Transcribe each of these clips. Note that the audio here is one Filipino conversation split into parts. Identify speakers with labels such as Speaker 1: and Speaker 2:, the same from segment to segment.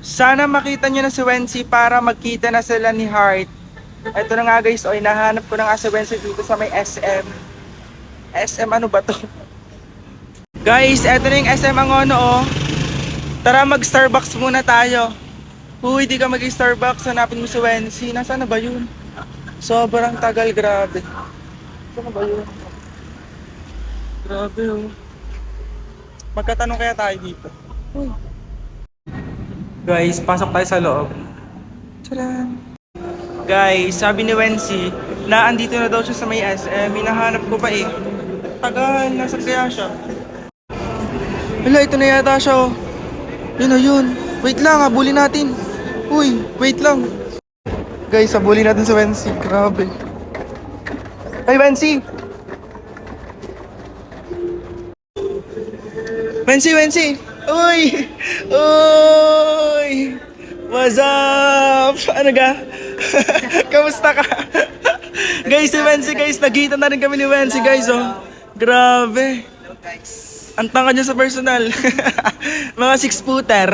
Speaker 1: Sana makita nyo na si Wency para magkita na sila ni Heart. Ito na nga guys, hinahanap ko na nga si Wency dito sa may SM. SM ano ba to? Guys, eto na yung SM Angono oh. Tara mag-Starbucks muna tayo. Uy, di ka mag-Starbucks, hanapin mo si Wency. Nasaan na ba yun? Sobrang tagal, grabe. Saan na ba yun? Grabe oh. Magkatanong kaya tayo dito. Uy. Guys, pasok tayo sa loob. Tcharan! Guys, sabi ni Wency na andito na daw siya sa may SM. Hinahanap ko pa eh. Tagal, nasa kaya siya. Hala, ito na yata siya oh. Yun o yun. Wait lang, habulin natin. Uy, wait lang. Guys, habulin natin si Wency. Grabe. Hey, Wency! Wency! Uy! Uy! What's up? Ano ga? Kamusta ka? Guys, si Wency guys, nagkita na rin kami ni Wency guys oh. Grabe. Ang tanga niya sa personal. Mga 6-footer.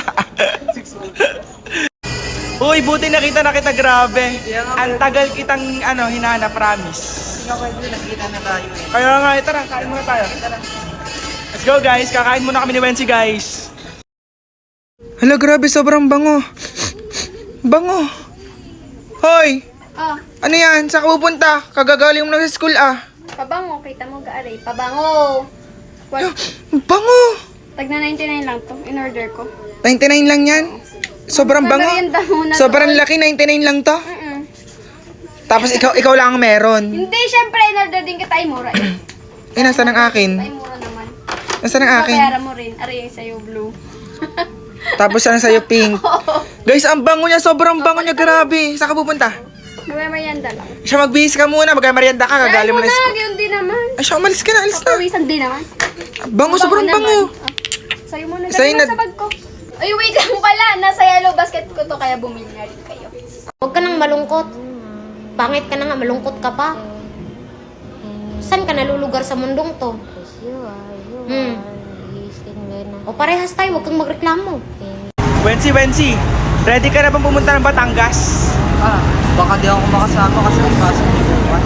Speaker 1: Uy, buti nakita na kita, grabe. Ang tagal kitang hinanap, promise.
Speaker 2: Nakita na tayo eh.
Speaker 1: Kaya nga, tara, kain muna tayo. Let's go guys, kakain muna kami ni Wency guys. Hala, grabe, sobrang bango. Bango. Hoy!
Speaker 3: Oh,
Speaker 1: Ano yan? Saan ka pupunta? Kagagaling mo na sa school ah.
Speaker 3: pabango. Kita mo gaaray. Pabango. What?
Speaker 1: Bango!
Speaker 3: Tagna 99 lang to. In order ko.
Speaker 1: 99 lang yan? Sobrang bango.
Speaker 3: Merienda muna
Speaker 1: Sobrang
Speaker 3: doon.
Speaker 1: laki, 99 lang to.
Speaker 3: Mm-mm.
Speaker 1: Tapos ikaw lang ang meron.
Speaker 3: Hindi, syempre, in order din kita. Ay, mura eh.
Speaker 1: Eh, nasaan ang akin?
Speaker 3: Ay, mura naman.
Speaker 1: Nasaan ang akin?
Speaker 3: Babayaran mo rin. Aray yung sa'yo, blue.
Speaker 1: Tapos ano sa'yo, pink. Guys, ang bango niya, sobrang bango niya, grabe. Saan ka pupunta?
Speaker 3: May merienda lang.
Speaker 1: Siya, magbihis ka muna, magmerienda ka,
Speaker 3: Ay,
Speaker 1: kagaling mo
Speaker 3: mo
Speaker 1: na
Speaker 3: na.
Speaker 1: school.
Speaker 3: Yun din naman.
Speaker 1: Ay, siya, umalis ka na, alis na.
Speaker 3: Papawisan din naman.
Speaker 1: Bango, sobrang
Speaker 3: naman.
Speaker 1: bango.
Speaker 3: Ah, sa'yo muna.
Speaker 1: Sa'yo
Speaker 3: Dali
Speaker 1: na-
Speaker 3: na sa bag ko. Ay, wait lang pala. Nasa yellow basket ko to, kaya bumili na rin kayo.
Speaker 4: Huwag ka nang malungkot. Pangit ka na nga, malungkot ka pa. Saan ka nalulugar sa mundong to? O parehas tayo, huwag kang magreklamo.
Speaker 1: Wency, ready ka na bang pumunta ng Batangas?
Speaker 2: Baka di ako makasama kasi may pasok ni bukas.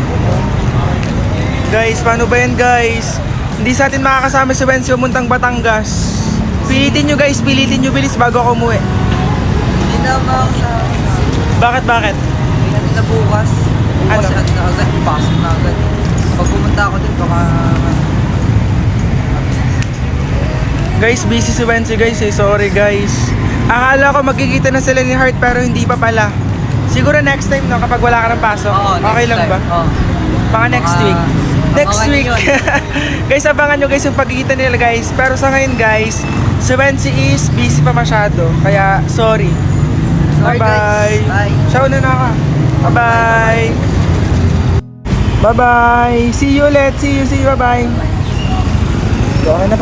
Speaker 1: Guys, paano ba yan guys? Hindi sa atin makakasama si Wency pumuntang Batangas. Pilitin nyo bilis bago ako umuwi.
Speaker 2: Hindi na makasama.
Speaker 1: Bakit?
Speaker 2: Hindi natin na bukas. Bukas
Speaker 1: Ano?
Speaker 2: na agad, pasok na agad. Pag pumunta ako din, baka...
Speaker 1: Guys, busy si Wency guys eh. Sorry guys. Akala ko magkikita na sila ni Heart pero hindi pa pala. Siguro next time no, kapag wala ka ng pasok.
Speaker 2: Oo,
Speaker 1: Okay
Speaker 2: next
Speaker 1: lang
Speaker 2: time.
Speaker 1: ba?
Speaker 2: Oo.
Speaker 1: Baka next
Speaker 2: Baka-
Speaker 1: week. Next
Speaker 2: abangan
Speaker 1: week.
Speaker 2: nyo yun.
Speaker 1: Guys, abangan nyo guys yung pagkikita nila guys. Pero sa ngayon guys, si Wency is busy pa masyado. Kaya sorry.
Speaker 2: Sorry,
Speaker 1: Bye-bye.
Speaker 2: guys. Bye.
Speaker 1: Ciao na ka. Bye-bye. Bye-bye. See you ulit. See you. Bye-bye. Okay na pa.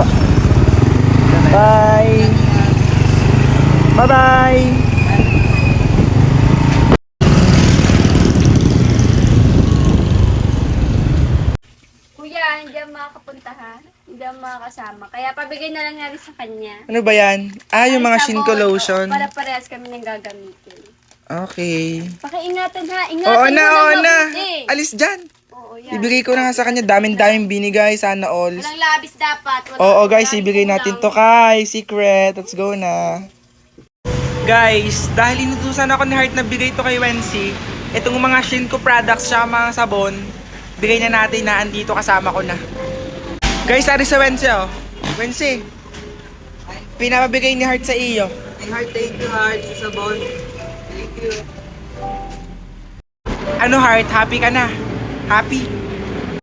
Speaker 1: Bye. Bye-bye.
Speaker 3: Kuya, hindi ako makakapunta ha. Hindi ako makakasama. Kaya pabigay na lang nga rin sa kanya.
Speaker 1: Ano ba yan? Yung mga
Speaker 3: Ay,
Speaker 1: Shinko
Speaker 3: sabon.
Speaker 1: lotion.
Speaker 3: Para parehas kami nang gagamitin.
Speaker 1: Okay.
Speaker 3: Pakiingatan ha. Ingatan
Speaker 1: Oo
Speaker 3: mo
Speaker 1: na.
Speaker 3: mabuti.
Speaker 1: Alis dyan.
Speaker 3: Oo, yan.
Speaker 1: Ibigay ko na nga sa kanya. Daming binigay. Sana all.
Speaker 3: Walang labis dapat.
Speaker 1: Oo guys, ibigay natin to kay Secret. Let's go na. Guys, dahil inutusan ako ni Heart na bigay to kay Wency, itong mga Shinko products siya, mga sabon, bigay na natin na andito kasama ko na. Guys, ari sa Wency oh. Wency, pinapabigay ni Heart sa iyo.
Speaker 2: Thank you, Heart, sa sabon. Thank you.
Speaker 1: Ano Heart, happy ka na? Happy?